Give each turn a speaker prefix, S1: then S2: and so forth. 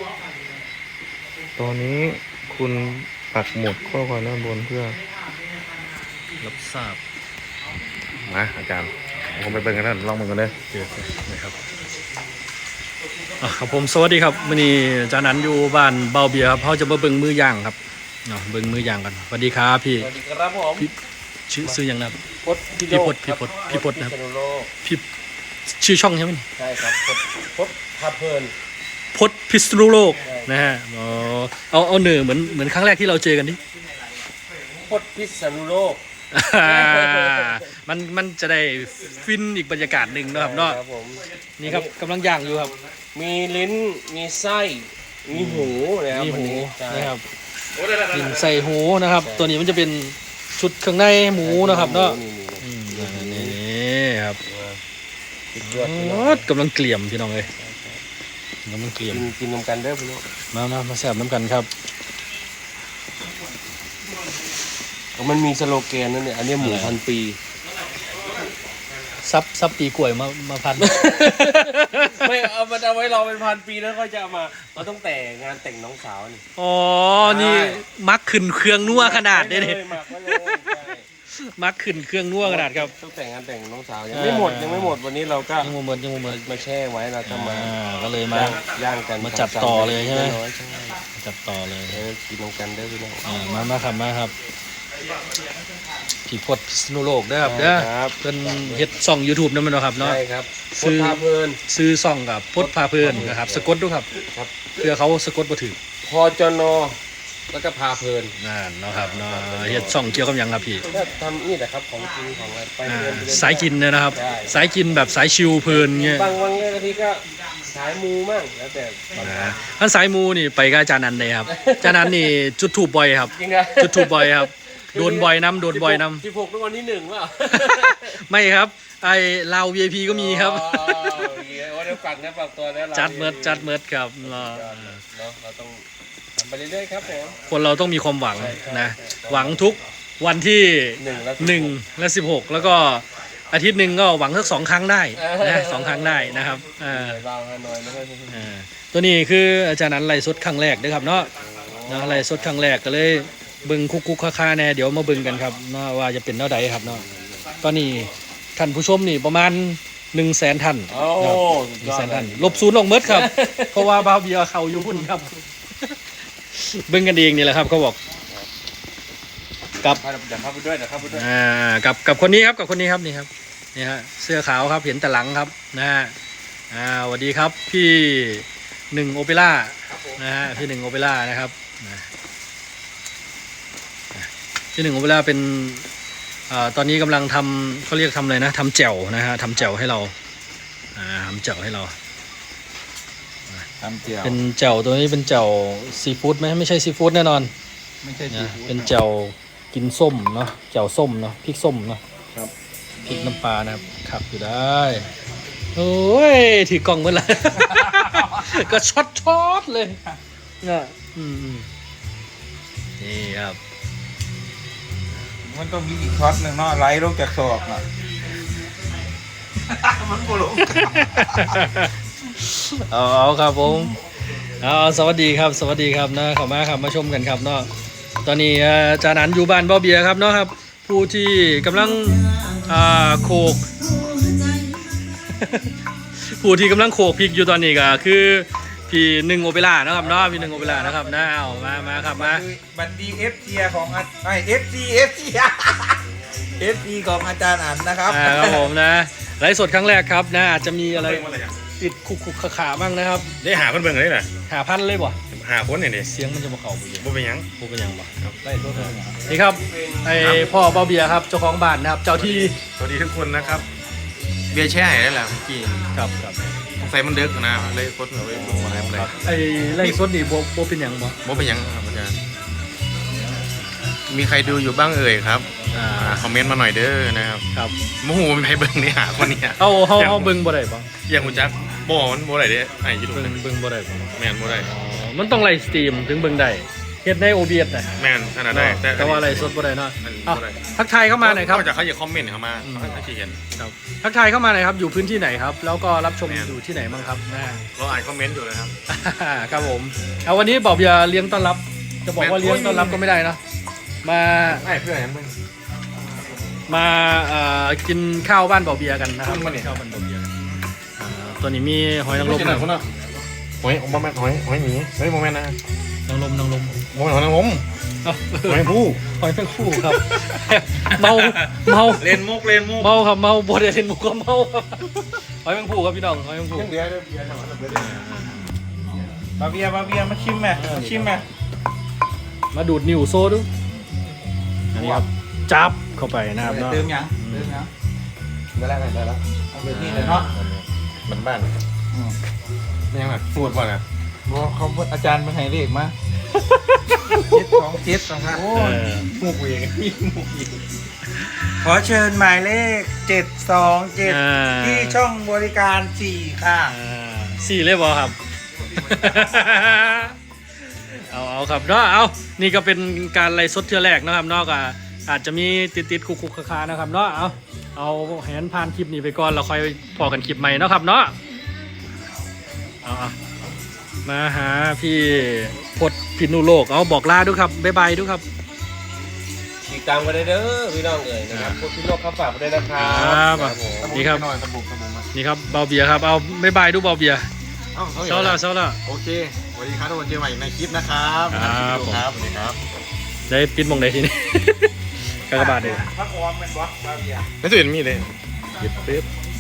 S1: ตอนนี้คุณปักหมุดข้อความด้านบนเพื่อรับทราบมาอาจารย์ผมไปเบิ่งกันท่านลองเบิ่งกันเลย
S2: นะครับครับผมสวัสดีครับมื้อนี้อาจารย์นันอยู่บ้านเบาเบียร์ครับเขาจะมาเบิ่งมือย่างครับเบิ่งมือย่างกันสวัสดีครับพี่
S3: สวัสดีครับผม
S2: ชื่ออย่างนะครับพี่พดนะครับพี่ชื่อช่องใช่ไหม
S3: ใช่ครับพดพาเพลิน
S2: พดพิษณุโลกนะฮะเอาเหนือเหมือนครั้งแรกที่เราเจอกันดิ
S3: พดพิษณุโลก
S2: มันจะได้ฟินอีกบรรยากาศหนึ่งนะครับเนาะนี่ครับกำลังย่างอยู่ครับ
S3: มีลิ้นมีไส้มีหูนะครับ
S2: มีหูนะครับลิ้นใส่หูนะครับตัวนี้มันจะเป็นชุดเครื่องในหมูนะครับเนาะนี่ครับกำลังเกลี่ยมพี่น้องเลยกำลังเกลี่ยม
S3: กินน้ำกันเด้อพี่น้อง
S2: มาแซ่บน้ำกันครับ
S3: มันมีสโลแกนนั่นเนี่ยอันนี้หมูพันปี
S2: ซับปีกล้วยมาพัน
S3: ไม่เอามันเอาไว้รอเป็นพันปีแล้วก็จะเอามาเราต้องแต่งานแต่งน้องสาวนี่
S2: อ๋อนี่มักขึ้นเครื่องนัวขนาดนี้มักขึ้นเครื่องนัวขนาดครับ
S3: ต้องแต่งงานแต่งน้องสาวยังไม่หมดวันนี้เราก็
S2: ยังไม่หมด
S3: มาแช่ไว้เราก็มา
S2: ก็เลยมา
S3: ย่างกัน
S2: มาจับต่อเลยใช่ไหมจับต่อเลย
S3: กินน้ำกันได้พี่น้อง
S2: มาครับพี่พดพิษณุโลกนะครับเป็นเฮ็ดช่อง YouTube นั่นมันครับเนาะ
S3: ใช่ครับพดพาเพลิน
S2: ซื้อช่องกับพดพาเพลินนะครับสะกดด้วยครับเพื่อเขาสะกดบ่ถูก
S3: พจนแล้วก็พาเพลิน
S2: นั่นเนาะครับเนาะเฮ็ดช่องเกี่ยวกับหยังครับพี่
S3: ทำนี่แหละครับของกินของอะไรไปเพลิน
S2: สายกินนะครับสายกินแบบสายชิลเพลินเงี้ย
S3: บางวันบางทีก็สายมูมั่งแล้วแต่
S2: ท่านสายมูนี่ไปกับอาจารย์นันเลยครับอาจารย์นันนี่จุดถูกบ่อยครับจุดถูกบ่อยครับโดนบ่อยน้ำ
S3: 16เป็นวันที่1ว่ะ
S2: ไม่ครับไอ้ลาว VIP ก็มีครับ
S3: ว่าเดี๋ยวฝักตัวนะ
S2: จัดเมิดครับ
S3: เราต้องทำไปเรื่อยๆครับผม
S2: คนเราต้องมีความหวังนะหวังทุกวันที่1 และ 16แล้วก็อาทิตย์หนึ่งก็หวังสัก2 ครั้งได้นะ2 ครั้งได้นะครับตัวนี้คืออาจารย์นันไล่สดครั้งแรกนะครับเนาะไล่สดครั้งแรกก็เลยเบิ่งคุกค่าแน่เดี๋ยวมาเบิ่งกันครับว่าจะเป็นเท่าใดครับเนาะตอนนี้ท่านผู้ชมนี่ประมาณ100,000 ท่าน100,000 ท่านลบ0ลงเมดครับเพราะว่าบาวเบียร์เขาอยู่พุ่นครับเบิ่งกันเองนี่แหละครับเขาบอกกับกับคนนี้ครับนี่ครับนี่ฮะเสื้อขาวครับเห็นแต่หลังครับนะฮะสวัสดีครับพี่1โอเปร่านะฮะพี่1โอเปร่านะครับที่1ของเวลาเป็นตอนนี้กำลังทำเขาเรียกทำอะไรนะทำแจ่วนะฮะทำแจ่วให้เราทำแจ่วให้เราเป็นแจ่วตัวนี้เป็นแจ่วซีฟู้ดไหมไม่ใช่ซีฟู้ดแน่นอน
S1: ไม่ใช่
S2: นะเป็นแจ่วกินส้มเนาะแจ่วส้มเนาะพริกส้มเนาะ
S1: ครับ
S2: พริกน้ำปลานะครับขับอยู่ได้โอ้ยถือกล่องเมื่อไหร่ก็ช็อตเลยเนี่ยนี่ครับ
S1: มันต้องมีอีกช็อตหนึ่งเนาะไล่ลงจากศอกอ่ะมันโผล่
S2: เอาครับผมสวัสดีครับนะขอบคุณครับมาชมกันครับเนาะตอนนี้อาจารย์นันอยู่บ้านเบาเบียร์ครับเนาะครับผู้ที่กำลังโขกผู้ที่กำลังโขกพริกอยู่ตอนนี้ก็คือพี่1โอเปร่านะครับเนาะพี่1โอเปร่านะครับนะเอามาครับมา
S1: บัตรดีเอฟซีของเอฟซีของอาจารย์อันนะครับ
S2: ครับผมนะไลฟ์สดครั้งแรกครับนะอาจจะมีอะไรติดคุกขาบ้างนะครับ
S1: ได้หาคนเบิ่งเลยนะ
S2: หาพันเลยบ่
S1: หาคนเนี่ย
S2: เสียงมันจะมาเข่า
S1: บ่เป็นยัง
S2: บ่ครับไลฟ์สดนี่ครับไอพ่อเบาเบียร์ครับเจ้าของบ้านนะครับเจ้าที่
S1: สวัสดีทุกคนนะครับเบียร์แช่ได้แหละเมื่อกี้
S2: ครับ
S1: ใส่มันเด็กนะเลยกดเอาไว้ดูอะไร
S2: ไอ้ไล่สดนี่โบเป็นยัง
S1: โบเป็นยังครับอาจารย์มีใครดูอยู่บ้างเอ่ยครับคอมเมนต์มาหน่อยเด้อนะครับ
S2: ครับ
S1: โมโหมีใครเบิ่งนี่หาคนนี้
S2: เอาเบิ่งบ่ได้ป่ะ
S1: อย่างคุณจักบ่มันบ่ได้เด้ไอ้ยี่ดู
S2: เบิ่งบ่ได้ป่ะ
S1: แม่นบ่ได้
S2: มันต้องไลฟ์สตรีมถึงเบิ่งได้เฮ็ดใน OBS น่ะ
S1: แม่นขนาดได้
S2: แต่ว่าอะไรสดบ่ได้เนาะ
S1: มัน
S2: เอ้า
S1: บ่ได้
S2: ทักทายเข้ามาหน่อยครับ
S1: นอกจากเขาจะคอมเมนต์เข้ามาเขาจะเขียน
S2: ครับทักทายเข้ามาหน่อยครับอยู่พื้นที่ไหนครับแล้วก็รับชม
S1: แม่น
S2: อยู่ที่ไหนบ้างครับนะ
S1: เราอ่านคอมเมนต์อยู่เลยครับ
S2: ครับผมเอาวันนี้บอกอย่าเลี้ยงต้อนรับ จะบอกว่า
S1: แม่น
S2: เลี้ยงต้อนรับก็ไม่ได้เนาะมา
S1: ไอ้เพื่อนมึง
S2: มากินข้าวบ้านเบาเบียกันนะครับ
S1: ขึ้นมาเนี่ย
S2: ข้าวบ้านเบาเบียกันตัวนี้มีหอยนางรม
S1: กินหน่อยคนน่ะหอยโมเมนต์หอยหมีเฮ้ยโมเมนต์นะ
S2: นางรม
S1: โมเมนต์หอยนางรม
S2: เอ้า
S1: หอยผู้
S2: หอยแมงคู่ครับ เมา
S1: เล่นมุกเล่นมุก
S2: เมาครับเมาบ่ได้เล่นมุกก็เมาครับหอยแมงคู่ครับพี่น้องหอยแมงคู่
S1: ยังเหลือเบียร์จังหวะเบียร์
S3: บาเบียมาชิมไหมมาชิมไหม
S2: มาดูดนิ้วโซ่ดูอันนี้ครับจับเข้าไปนะครับเนาะ
S3: เติมยังเติมยัง
S1: ได้แล้วได้แล้ว
S3: เอาแบบนี้เลยเนาะ
S1: มันบ้านไม่ยังแบบพูดว่าน่ะ
S3: บอกเขาอาจารย์มาให้เลขมา727นะครับ
S2: เออ
S1: มุกเองมุกเอง
S3: ขอเชิญหมายเลข727ที่ช่องบริการ4ค่ะ
S2: สี่เลยบอครับ เอาครับเนาะเอานี่ก็เป็นการไล่สดเทื่อแรกนะครับเนาะก็อาจจะมีติดคุกคาๆนะครับเนาะเอาแหนผ่านคลิปนี้ไปก่อนเราค่อยพอกันคลิปใหม่เนาะครับเนาะเอามาหาพี่พดพินุโลกเอาบอกลาด้วยครับบ๊ายบายด้วยครับ
S3: ติดตามกันได้เด้อพี่น้องเอ๋ยนะครับพวกพี่โลกครับฝากไปด้วยนะครั
S2: ครับ
S3: ผม
S2: นี่ครับ
S1: หน่อยสบู่มา
S2: นี่ครับเบาเบียร์ครับเอาบ๊ายบายด้วยเบาเบียร์เช้าละเช้าละ
S1: โอเคสวัสดีครับทุกคนเจอใหม่ในคลิปนะครับ
S2: ครับ
S1: ครับสวัสดีครับ
S2: ได้ปิดมงไหนทีนี้ กากบาทเลย
S3: พักออมเป็นวะบาเบีย
S1: ไม่สุดมีเลยหยิบปิ๊บ